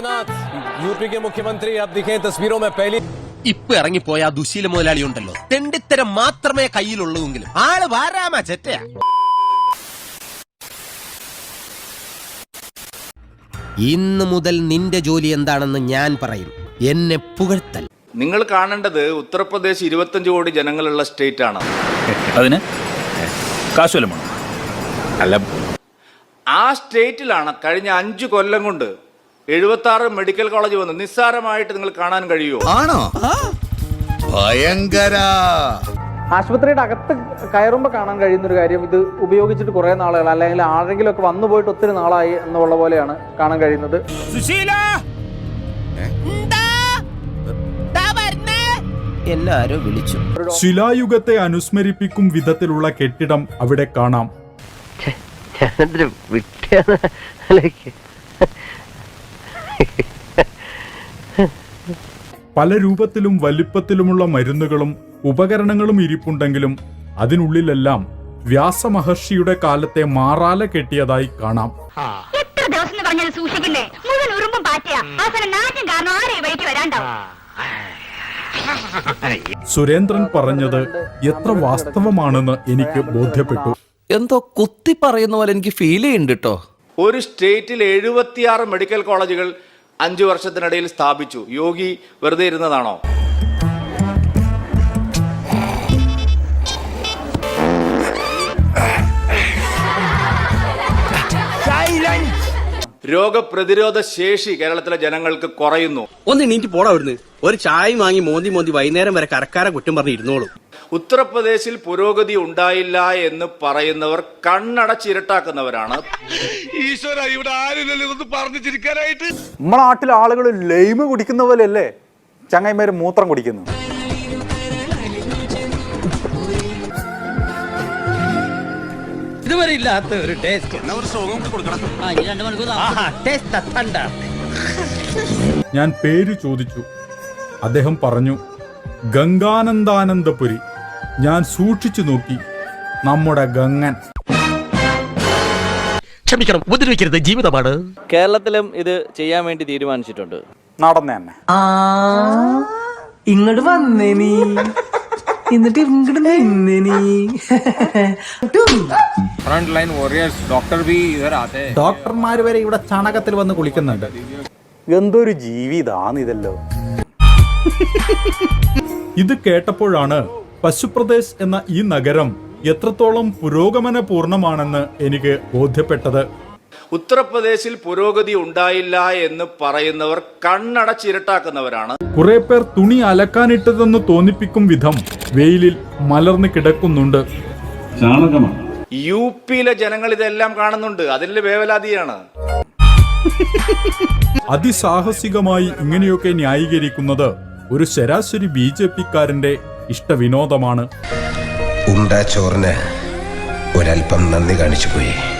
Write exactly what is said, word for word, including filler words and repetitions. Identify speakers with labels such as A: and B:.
A: Adityanath UP के मुख्यमंत्री अब दिखे तस्वीरों में पहली
B: ഇപ്പൊ ഇറങ്ങിപ്പോയ ആ ദുശീല മുതലാളി ഉണ്ടല്ലോ, തെണ്ടിത്തരം മാത്രമേ കയ്യിലുള്ളൂവെങ്കിലും ആള് വാരാമ ചെറ്റയാ. ഇന്ന് മുതൽ നിന്റെ ജോലി എന്താണെന്ന് ഞാൻ പറയും, എന്നെ പുകഴ്ത്തൽ.
C: നിങ്ങൾ കാണേണ്ടത് ഉത്തർപ്രദേശ് ഇരുപത്തഞ്ച് കോടി ജനങ്ങളുള്ള സ്റ്റേറ്റ് ആണ്.
D: അതിന് കാശുവല്ലം അല്ല,
C: ആ സ്റ്റേറ്റിലാണ് കഴിഞ്ഞ അഞ്ചു കൊല്ലം കൊണ്ട് എഴുപത്തി ആറ് മെഡിക്കൽ കോളേജ് വന്ന് നിസ്സാരമായിട്ട് നിങ്ങൾ കാണാൻ കഴിയുമോ?
E: ആണോ? ഭയങ്കര.
F: ആശുപത്രിയുടെ അകത്ത് കയറുമ്പോൾ കാണാൻ കഴിയുന്ന ഒരു കാര്യം, ഇത് ഉപയോഗിച്ചിട്ട് കുറെ നാളുകൾ അല്ലെങ്കിൽ ആരെങ്കിലും ഒക്കെ വന്നു പോയിട്ട് ഒത്തിരി നാളായി എന്നുള്ള പോലെയാണ് കാണാൻ കഴിയുന്നത്.
B: എന്നാരോ വിളിച്ചു.
G: ശിലായുഗത്തെ അനുസ്മരിപ്പിക്കും വിധത്തിലുള്ള കെട്ടിടം അവിടെ കാണാം. പല രൂപത്തിലും വലിപ്പത്തിലുമുള്ള മരുന്നുകളും ഉപകരണങ്ങളും ഇരിപ്പുണ്ടെങ്കിലും അതിനുള്ളിലെല്ലാം വ്യാസമഹർഷിയുടെ കാലത്തെ മാറാല കെട്ടിയതായി കാണാം. സുരേന്ദ്രൻ പറഞ്ഞത് എത്ര വാസ്തവമാണെന്ന് എനിക്ക് ബോധ്യപ്പെട്ടു.
H: എന്തോ കുത്തി പറയുന്ന പോലെ എനിക്ക് ഫീൽ ചെയ്യുന്നുണ്ട് കേട്ടോ.
C: ഒരു സ്റ്റേറ്റിൽ എഴുപത്തിയാറ് മെഡിക്കൽ കോളേജുകൾ അഞ്ചു വർഷത്തിനിടയിൽ സ്ഥാപിച്ചു. യോഗി വെറുതെ ഇരുന്നതാണോ? രോഗപ്രതിരോധ ശേഷി കേരളത്തിലെ ജനങ്ങൾക്ക് കുറയുന്നു.
I: ഒന്ന് നീട്ടി പോടാ അവിടുന്ന്. ഒരു ചായ വാങ്ങി മോന്തി മോന്തി വൈകുന്നേരം വരെ കരക്കാരെ കുറ്റം പറഞ്ഞ് ഇരുന്നോളൂ.
C: ഉത്തർപ്രദേശിൽ പുരോഗതി ഉണ്ടായില്ല എന്ന് പറയുന്നവർ കണ്ണടച്ചിരട്ടാക്കുന്നവരാണ്.
E: ഈശ്വര, ഇവിടെ ആരില്ലല്ലോ ഇതൊന്ന് പറഞ്ഞു ചിരിക്കാനായിട്ട്.
F: നമ്മുടെ നാട്ടിലെ ആളുകൾ ലൈമ് കുടിക്കുന്ന പോലെയല്ലേ ചങ്ങായിമാര് മൂത്രം കുടിക്കുന്നു.
I: ഇതുവരെ ഇല്ലാത്ത ഒരു ടേസ്റ്റ്.
G: ഞാൻ പേര് ചോദിച്ചു. അദ്ദേഹം പറഞ്ഞു ഗംഗാനന്ദാനന്ദപുരി. ഞാൻ സൂക്ഷിച്ചു നോക്കി. നമ്മുടെ ഗംഗൻ.
B: ക്ഷമിക്കണം, ഉപദ്രവിക്കരുത്, ജീവിതമാണ്.
J: കേരളത്തിലും ഇത് ചെയ്യാൻ വേണ്ടി തീരുമാനിച്ചിട്ടുണ്ട്.
F: നടന്നെ തന്നെ
K: ഇങ്ങോട്ട് വന്നേ നീ, എന്നിട്ട് ഇങ്ങോട്ട് നിന്നേ നീ.
A: फ्रंट लाइन वॉरियर्स डॉक्टर भी इधर आते हैं.
F: ഡോക്ടർമാര് വരെ ഇവിടെ ചാണകത്തിൽ വന്ന് കുളിക്കുന്നുണ്ട്. എന്തൊരു ജീവിതാണ് ഇതല്ലോ.
G: ഇത് കേട്ടപ്പോഴാണ് പശുപ്രദേശ് എന്ന ഈ നഗരം എത്രത്തോളം പുരോഗമന പൂർണ്ണമാണെന്ന് എനിക്ക് ബോധ്യപ്പെട്ടത്.
C: ഉത്തർപ്രദേശിൽ പുരോഗതി ഉണ്ടായില്ല എന്ന് പറയുന്നവർ കണ്ണടച്ചിരട്ടാക്കുന്നവരാണ്.
G: കുറെ പേർ തുണി അലക്കാനിട്ടതെന്ന് തോന്നിപ്പിക്കും വിധം വെയിലിൽ മലർന്നു കിടക്കുന്നുണ്ട്.
C: യു പിയിലെ ജനങ്ങൾ ഇതെല്ലാം കാണുന്നുണ്ട്. അതിലെ വേവലാതിയാണ്.
G: അതിസാഹസികമായി ഇങ്ങനെയൊക്കെ ന്യായീകരിക്കുന്നത് ഒരു ശരാശരി ബി ജെ പിക്കാരന്റെ ഇഷ്ടവിനോദമാണ്.
B: ഉണ്ട ചോറിന് ഒരൽപ്പം നന്ദി കാണിച്ചു പോയി.